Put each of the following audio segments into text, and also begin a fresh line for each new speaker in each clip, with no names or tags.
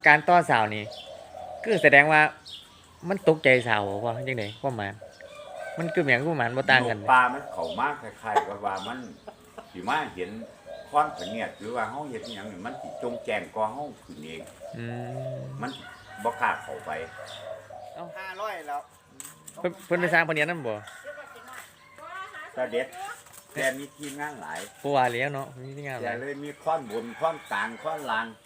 การต่อสาวนี่คือแสดงว่ามันตกใจสาวว่าจังได๋ความหมายมันคือหยังความหมายบ่ต่างกัน
ปลามันเข้ามาคล้ายๆกับว่ามันสิมาเห็นความเนียดหรือว่าเฮาเฮ็ดอิหยังนี่มันสิจงแจ้งกว่าเฮาขึ้นเอง
อืม
มันบ่กล้าเข้าไป
500แล้ว
เพิ่นไปสร้างปานนี้นำบ่
แต่เด็ดแต่มีทีมงานหลาย
บ่ว่าแล้วเนาะมีงานห
แต่
ลาย
เลยมีข้อนบนข้อนกลางข้อนล่าง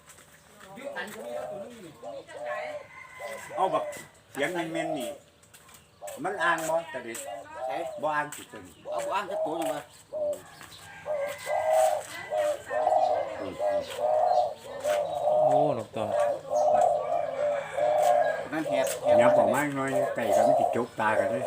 เอาแบบเสียงเม่นๆนี่มันอ่างบ่แต่เด็ด
ใช่
บ่อ่างสิจัง
เอาอ่างจะตัวจังว่า
โอ้นกต่อ
นั่นแหบ
เนี่ยบอกมาหน่อยไก่ก็มันสิจกตากันเลย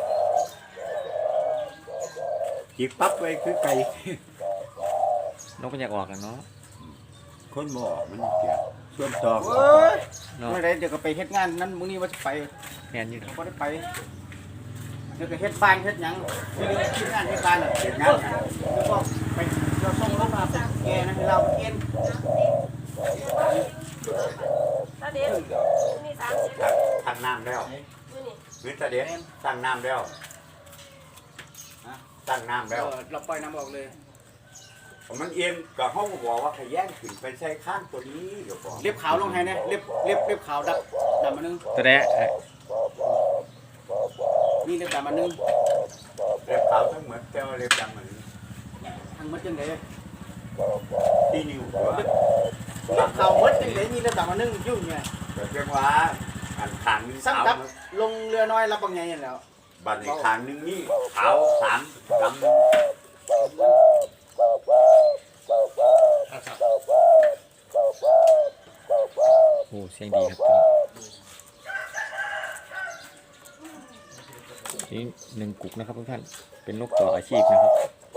จิกปั๊บไว้คือไก่
นกมันอยากออกแล้วเนาะ
คนบ่ออกมันเสียส่วนต่อ
เอ้ย
เนาะ
เมื่อไรเดี๋ยวก็ไปเฮ็ดงานนั้นมื้อนี้ว่าจะไป
แม่นอยู่
บ่ได้ไปเดี๋ยวก็เฮ็ดบ้านเฮ็ดหยังมีเรื่องที่งานเฮ็ดบ้านน่ะ
เฮ็ดงานกัน
แล้วก็ไปเราส่งรถมาไปแกนะให้เราไปกิน
ตาเด็ดนี่30
ทางน้ำแล้ว
มื้อนี้
วิทยาเด็ดตั้งน้ำแล้วตั้งน้ำแล้ว
เราปล่อยน้ำออกเลย
มันเอียนก็เฮาก็บอกว่าขย่งขึ้นไปใช้ข้างตัวนี้เดี๋ยวก่อน
เล็บขาวลงให้นะเล็บขาวดำมานึง
ตัวแดะ
นี่เล็บดำมานึง
เล็บขาวทั้งเหมือนแต่ว่าเล็บดำเหมือน
ทั้งหมดจังได๋
ที่นิ้วหัว
เล็บขาวหมดจังได๋นี่เล็บดำมานึงอยู่เนี่ย
แต่เพียงว่าอันขางนึง
ซ้ำ
ขาว
กับลงเรือน้อยรับบางใหญ่นั่นแหล้ว
บัดในขางนึงนี่ขาวสามดำ
โอ้เสียงดีครับนี่หนึ่งกุกนะครับทุกท่านเป็นนกต่ออาชีพนะครับ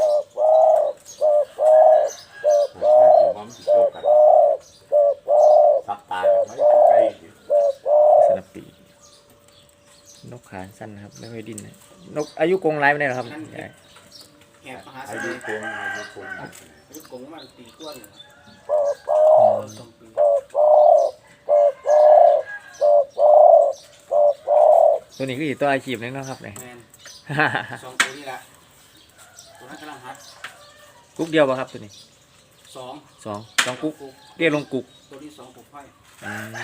มันสิโจกันซับตาไม่ไกล
สนับปีนกขาสั้นนะครับไม่ค่อยดิ้นนะนกอายุกรงไร้ไม่ได้หรอครับใช่
แอบมหา
อา
เส
ยุ
น่ห์
คงอายุคง
อายุกงมันตีก้วน2 ปี
ตัวนี้ก็อยู่ตัวอาชีพนึงนะครับเนี่ย
แมน2ตัวนี่แหละตัวนั้นกำลังหัด
กุ๊กเดียวป่ะครับตัวนี้
2
สองกุ๊กเรียกลงกุ๊ก
ตัวนี้2ปุ๊บไฟ
อืม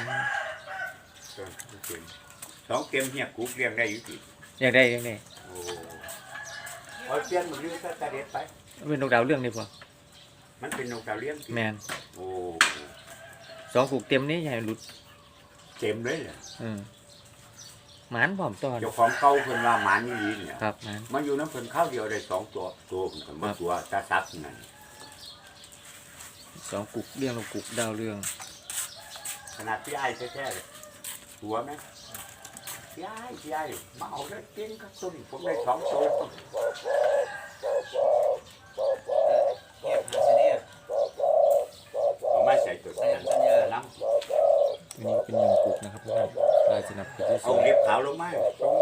สองเกมเฮียกูเรียงได้อยู่สิ
อยากได้ยังไง
โอ้เอาเปลี่ยนมันเรื่องตาเด็ดไป
เป็นนกดาวเรื่องนี่พอ
มันเป็นนกดาวเลี้ยง
แมน
โอ้
สองกุ๊กเต็มนี้ใหญ่หลุด
เต็มเลยเนี่ย
หมานผอมตอน
เจ้าของเก่าเพิ่นว่าหมานี่ลีเนี่ย
ครับหมาน
มันอยู่น้ำเพิ่นข้าวเดียวได้สองตัวเพิ่นก็มาตัวตาซักนั่น
สองกุ๊กเรียงลงกุ๊กดาวเรื่อง
ขนาดพี่ไอ้แท้ๆเลยตัวไหมพี่ไอ้มาเอาได้กินกับต้นผมได้สองตัว
แอบหาเสน่ห์
เอามาใส่ตัวนั้นน้ำ
อันนี้เป็นหนึ่งกุ๊กนะครับทุกท่านลายสนับปีที่ส
เอา
อง
เล็บขาวลงมา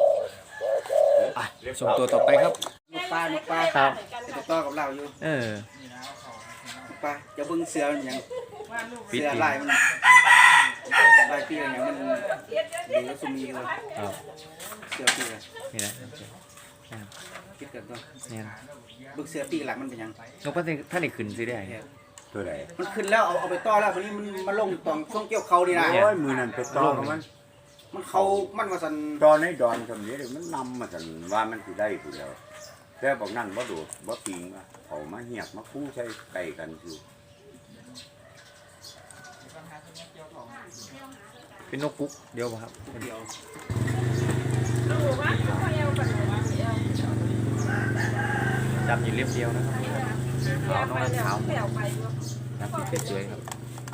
ส่ง
ส่งตัวต่อไปครับ
นกปลานกปลา
ครับ
จะต่อกับเราอยู่
เออ
นกปลาจะเบิ่งเสือมันหยัง
ปิด
เสือ
อีก
ลายมันลายปีอะไรอย่างมันเดี๋ยวสุมีเลย
ครับ
เสือปีอะไร
นี่นะ
คิดกันตัว
เนี่ย
เบิ่งเสือปีหลังมันเป็นหยัง
นกพันธุ์ท่านได้ขึ้นสิได้
ตัวไหน
มันขึ้นแล้วเอาไปต่อแล้ววันนี้มันมาลงตองช่วงเกี่ยวเขานี่นะ
โอ้ยมือนั่นไปตอมัน
มันเขามันว่าสัน
ตอนให้ดอนคำนี้มันนำมาสันว่ามันสิได้ผู้เดียวแต่บอกนั่นบ่โดดบ่ปิงว่าเอามาเหียกมาคู่ใช้ไก่กันคือ
เป็นนกกุ๊กเดียวป่ะครับ
เดียว
รู้ว่าเขาเอากันเอว
ดำอยู่เรียบเดียวนะครับขาวน้องขาว
แปลวไปอยู่
ดำสีสวยๆครับ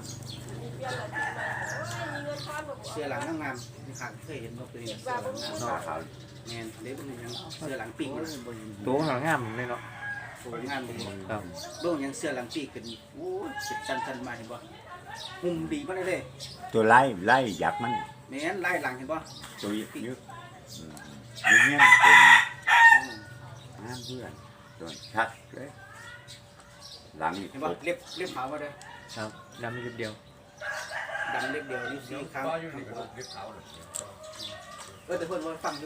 เสือหลังงามๆที่ข้างเคยเห็นบ่เคยเห็นเสือหลังงาม
นอกขาว
แม่นเล็บมันยังเสือหลังปีกมัน
ตัวหางงามเลยเนาะ
สวยงามดี
ครับ
เบิ่งยังเสือหลังปีกขึ้นโอ้ยสิชันๆมาเห็นบ่หุ่มดีบ่ได้เลย
ตัวไล่ยักษ์มัน
แม่นไล่หลังเห็นบ่
ตัวยึดยึดเงี้ยเป็นน้ำเพื่อนตัวชัดเลยหลังนี่
เห็นบ่เล็บขาวบ่ได้
ครับดำอยู่เรียบเดียว
ดดังเล็กเดียวนิ้วสี่ครั้ง
อยู่นี่ก็เก็บเขาเลย
แต่เพิ่นว่าฟังอยู่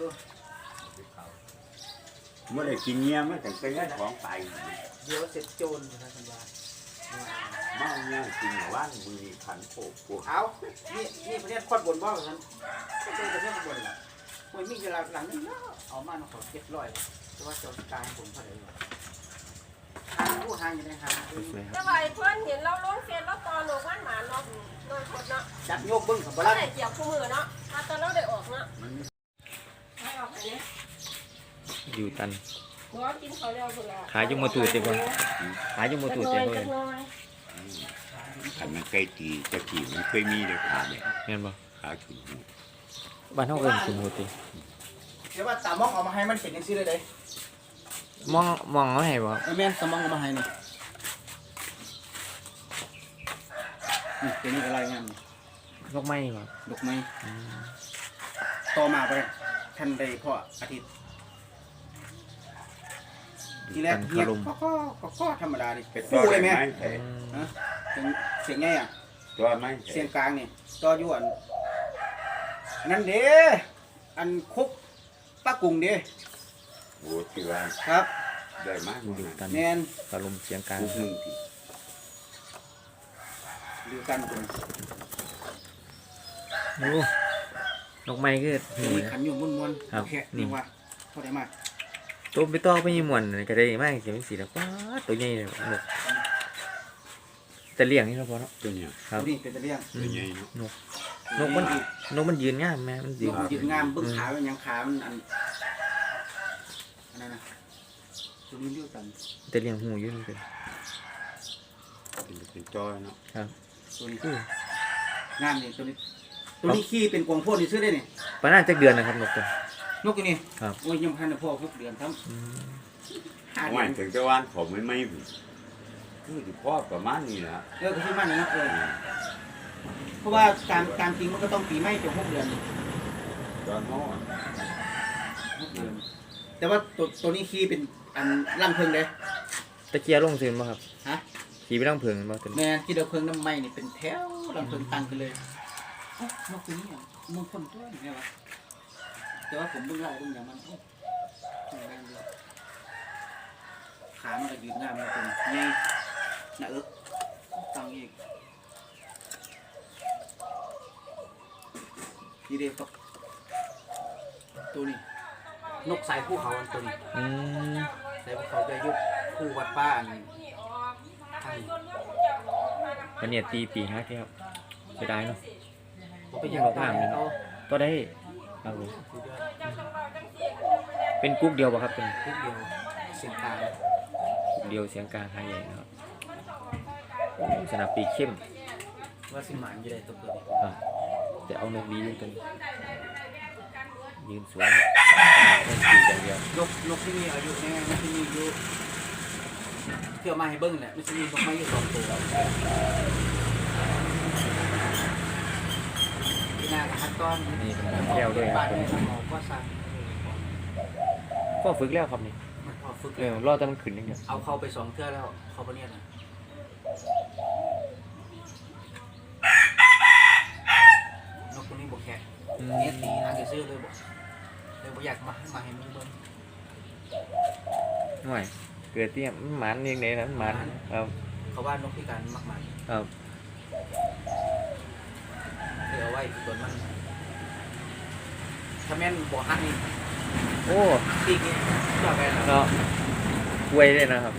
เมื่อไรกินเงี้ยมันถึงเป็นเรื่องของไป
เดี๋ยวเสร็จโจรนะสัญญา
เมาเนี่ยกินว่านมือขันโขกพวก
เอานี่ประเทศคอดบนบ่เหรอครับประเทศบนล่ะมันมีเวลาหลังนึงเอามาขอ700แต่ว่าจนกลายผมเท่าไหร่ทางผู้ทางอยู่ในทาง
สวยๆค
แต่
รับ
ว่าไอ้เพื่อนเห็นเราลงเฟซแล้วตอนหนูว่านหมาเนาะโดนคนเนาะ
จับโยกเบิ้งกับบ่
ก็
ล่ะ
ได้เกี่ยวคู่มือเนาะมาตอนเราได้ออกเนาะ
มัน
ไม่ออกอันนี้
อยู่ตัน
หัวกินเขาเร็วสุดละ
ขายจุงมาตูดเต็มเลยขายจุงมาตูดเต็มเลย
ขันมันใกล้ตีจะกี่มันเคยมีเลยขาเนี่ย
แม่นบ่
ขาขึ้นหู
บ้านเฮาเอิ้นคุณโหติ
เดี๋ยวว่าตามองเอามาให้มันเป็นจังซี่เลยเด้
มองเอาให้บ่ครับ
แม่นตามองเอามาให้นี่นี่เป็นนี่อะไรงาม
นกไม้บ่
ดอกไม้ต่อมาไปทันใดพ่ออาทิตย์ทีแรกเงียบก็ธรรมดาดิ
เป็น
ฟูเลยไหม
ใช่
ฮะเสียงไงอ่ะ
ตัวไม้
เสียงกลางนี่ต่อยวนนั่นเด้อันคุกป้ากุ้งเด้
โอ้ที่ว่า
ครับ
ได้มาก
อยู่ตัน
แมน
ตะลมเสียงกลาง
ลูกหนึ่งที
ดูกันคน
โอ้นกไม้คือหู
มี
นะ
ขันอยู่ม้วน
ครับ
แค่นี่ว่าเท่าไหร่มาก
ตัวไปต่อไปยี่ม่วนก็ได้มากเก็บเป็นสีแล้วป๊าดตัวใหญ่เลยนกแต่เลี้ยงนี่เนาะพอเนาะ
ตัวเนี้ย
ครับ
นี่เป็นตะเลียง
ตัวใหญ่เนาะ
นกมันยืนงามแม่มันยืน
ยืนงามเบิ้งขาเป็นยังขามันอันนั้นนะตรงนี้เรียกกัน
แต่เลี้ยงหูอยู่นี่เป็น
เป็นจอยเนาะ
ตัวนี้
อู้
งามนี่ตัวนี้ขี้เป็นกวางโพดนี่ซื้อได้นี่
ปานน่าจะเดือนนะครับนกตัวน
กตัวนี้
ครับ
โอ้ยยังพันพ่อ6 เดือนทั้ง
อืม
เอาไว้ถึงจะวันผมไม่คือที่พ่อประมาณนี้นะ
ก็คือมันนะเพราะว่าตามจริงมันก็ต้องปีใหม่ถึง6 เดือน
ตอนน้อ
6 เดือนแต่ว่าตัวนี้ขี้เป็นอันล่ำเพิงเลย
ตะเกียร์ลงซื่นบ่ครับ
ฮะ
ขี่ไปทางเพิงบ่ตัวนี้
แม่ที่เราเพิงน้ำไหม้นี่เป็นแถวล่ำเพิงตั้งกันเลยนกตัวนี้มึงคนตัวนี่ไงวะแต่ว่าผมเบิ่งไล่เบิ่งอย่างมันขามันก็ยืนงามเลยตัวนี้นี่หน้าเอิกตั้งอีกนี่เด็กตัวนี้นกสายภูเขาตัวนี้
อืม
สายภูเขาจะยุบคู่วัดป้านี่ทาง
อันเนี้ยตีปีฮักครับเสียดายเนาะ
ผมไปยังบ้านเขา
ก็ได้ครับผมเป็นกุ๊กเดียวป่ะครับเป็น
ทุกเดียวเสียงกลาง
กุ๊กเดียวเสียงกลางหายใหญ่นะครับโอ้สนับปีกเข้ม
ว่าสิหมานอยู่ได้ตัวเกิด
ครับแต่เอานกดีอยู่ตรงนี้ยืนสวยครับปีกอย่างเดียวน
กที่มีอายุแน่มันที่มีอายุเที่ยวมาให้เบิ้งแหละมันจะมีนกไม้อยู่2 ตัวที่นากับฮัตตอน
นี่เป็นแก้วด้วยครับ
บ้านในหมอก็สั่ง
ก็ฝึกแล้วครับนี่
มันพอฝึก
รอแต่มันขึ้นอย่างเดียว
เอาเข้าไป2 เทื่อแล้วเขาไปเนี่ยนะนกตัวนี้บกแขกเนี่ยตีหางจะซื้อเลยบอกเลยบอกอยากมาให้มึงเบิ้ง
หน่อยเกิดเตี้ยมันหมันเรียงไหนนะมันหมันครับ
เขาว่านกพิการมากมาย
ครับ
เดี๋ยวเอาไว้ที่ต้นมันถ้าแม่นบ่ฮักนี่
โอ้
ปีกนี่ชอบแม่น
เนาะกล้วยเลยนะครับ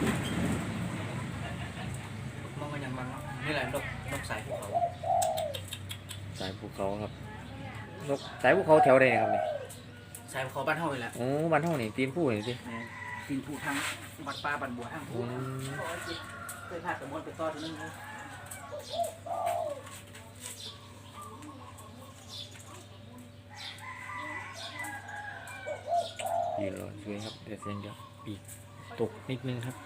มันยังมันเนาะนี่แหละนกสายภูเขา
สายภูเขาครับนกสายภูเขาแถวใดครับนี่
สายภูเขาบ้านเฮานี่แหละ
โอ้บ้านเฮานี่ตีนผู้นี่สิ
แม่นกินภูทางบัดปลาบัดบัวทางภู
อืม
เคยพาตะมวนไปต่อตัวนึงเนาะ
ยืนรอช่วยครับเดี๋ยวเสียงเดียวปีกตกนิดนึงครับ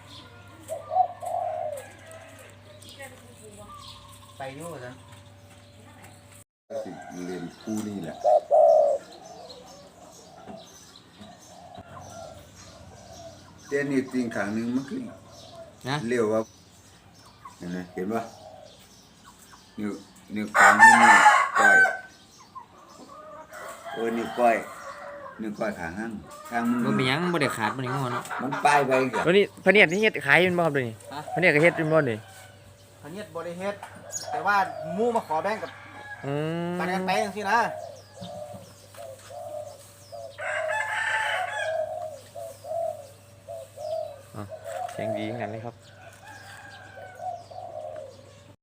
ไปอยู่ว่าซั่น
เรียนคู่นี่แหละแต่นี่จริงครั้งหนึ่งมันคือ
นะ
เรียวว่าเห็นไหมเห็นป่ะนิ้วกลางนี่นิ้วก้อยนิ้วก้อยข้างข้างมื
บ่
อ
มีหยังบ่ได้ขาดบ่ได้งอเนาะ
มันป้ายไปกับ
วันนี้พะเนียดนี่เฮ็ดขายแม่นบ่ครับเดี๋ยวนี้พะเนียดก็เฮ็ดแม่นบ่นี่
พะเนียดบ่ได้เฮ็ดแต่ว่าหมู่มาขอแบ่งกับ
อืม
ปันกันไปจังซี่นะ
เสียงดีเหมือนกันเลยครับ